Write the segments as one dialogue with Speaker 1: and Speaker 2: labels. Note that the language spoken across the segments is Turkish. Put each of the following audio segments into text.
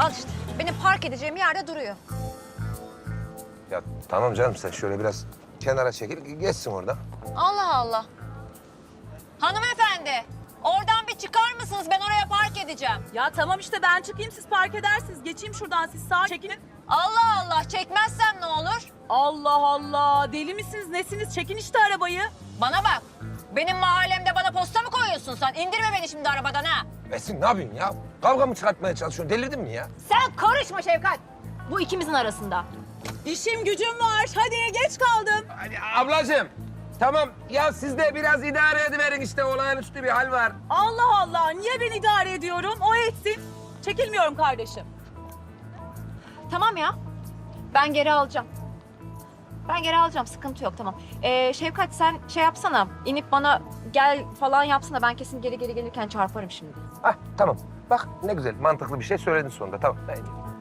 Speaker 1: Al işte. Benim park edeceğim yerde duruyor.
Speaker 2: Ya tamam canım, sen şöyle biraz kenara çekil, geçsin orada.
Speaker 1: Allah Allah. Hanımefendi, oradan bir çıkar mısınız? Ben oraya park edeceğim.
Speaker 3: Ya tamam işte ben çıkayım siz park edersiniz. Geçeyim şuradan siz sağa çekilin.
Speaker 1: Allah Allah, çekmezsem ne olur?
Speaker 3: Allah Allah deli misiniz nesiniz çekin işte arabayı.
Speaker 1: Bana bak, benim mahallemde bana posta mı koyuyorsun sen? İndirme beni şimdi arabadan ha.
Speaker 2: Esin ne yapıyorsun ya? Kavga mı çıkartmaya çalışıyorsun? Delirdin mi ya?
Speaker 1: Sen karışma Şevkat. Bu ikimizin arasında.
Speaker 3: İşim gücüm var hadi geç kaldım.
Speaker 2: Hadi ablacığım. Tamam ya, siz de biraz idare ediverin, işte olağanüstü bir hal var.
Speaker 3: Allah Allah niye ben idare ediyorum o etsin. Çekilmiyorum kardeşim.
Speaker 1: Tamam ya, ben geri alacağım. Ben geri alacağım, sıkıntı yok, tamam. Şevkat sen şey yapsana, inip bana gel falan yapsana. Ben kesin geri gelirken çarparım şimdi.
Speaker 2: Hah tamam. Bak ne güzel, mantıklı bir şey söyledin sonunda. Tamam. Ben...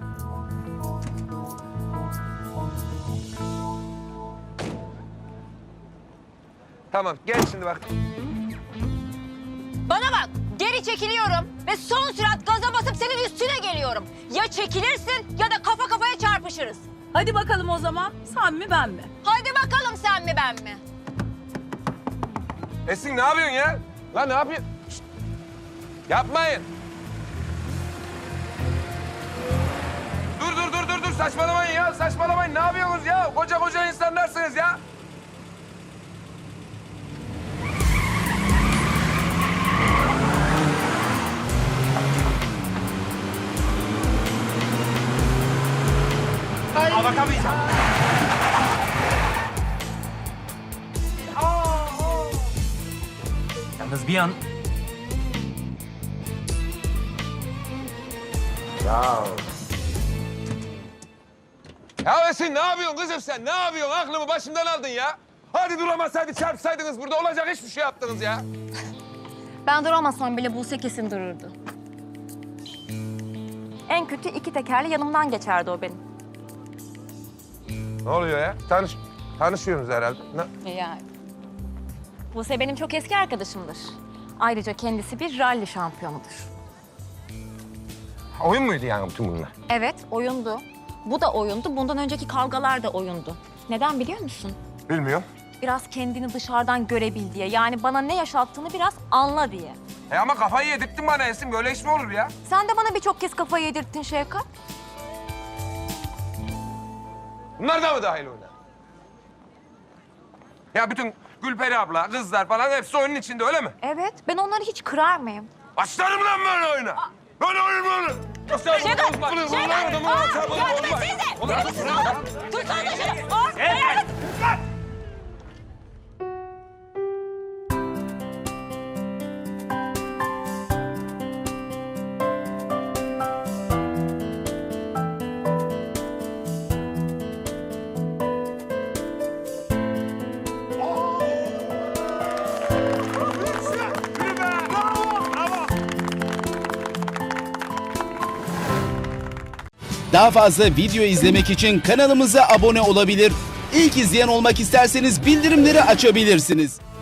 Speaker 2: Tamam, gel şimdi bak.
Speaker 1: Bana bak, geri çekiliyorum ve son sürat gaza basıp senin üstüne geliyorum. Ya çekilirsin ya da kafa kafaya çarpışırız.
Speaker 3: Hadi bakalım o zaman sen mi ben mi?
Speaker 1: Hadi bakalım sen mi ben mi?
Speaker 2: Esin ne yapıyorsun ya? Lan ne yapıyorsun? Şişt. Yapmayın. Dur, saçmalamayın ya, saçmalamayın. Ne yapıyorsunuz ya? Koca insanlarsınız ya.
Speaker 4: Bakamayacağım. Yalnız bir an
Speaker 2: Ya Esin ne yapıyorsun kızım sen? Ne yapıyorsun? Aklımı başımdan aldın ya. Hadi duramasaydı çarpsaydınız, burada olacak hiçbir şey yaptınız ya.
Speaker 1: Ben duramasam bile Buse kesin dururdu. En kötü iki tekerle yanımdan geçerdi o benim.
Speaker 2: Ne oluyor ya? Tanışıyorsunuz herhalde.
Speaker 1: Yani. Buse benim çok eski arkadaşımdır. Ayrıca kendisi bir ralli şampiyonudur.
Speaker 2: Oyun muydu yani bütün bunlar?
Speaker 1: Evet, oyundu. Bu da oyundu. Bundan önceki kavgalar da oyundu. Neden biliyor musun?
Speaker 2: Bilmiyorum.
Speaker 1: Biraz kendini dışarıdan görebil diye. Yani bana ne yaşattığını biraz anla diye.
Speaker 2: Ama kafayı yedirttin bana Esin. Böyle iş mi olur ya?
Speaker 1: Sen de bana birçok kez kafayı yedirttin Şevkat.
Speaker 2: Bunlar da mı dahil oyuna? Ya bütün Gülperi abla, kızlar falan hepsi oyunun içinde, öyle mi?
Speaker 1: Evet, ben onları hiç kırar mıyım?
Speaker 2: Başlarım lan böyle oyuna. Böyle oyun mu olur?
Speaker 1: Şevkat! Şevkat! Yardım etsenize! Deli misin oğlum? Tutsana şunu!
Speaker 5: Daha fazla video izlemek için kanalımıza abone olabilir. İlk izleyen olmak isterseniz bildirimleri açabilirsiniz.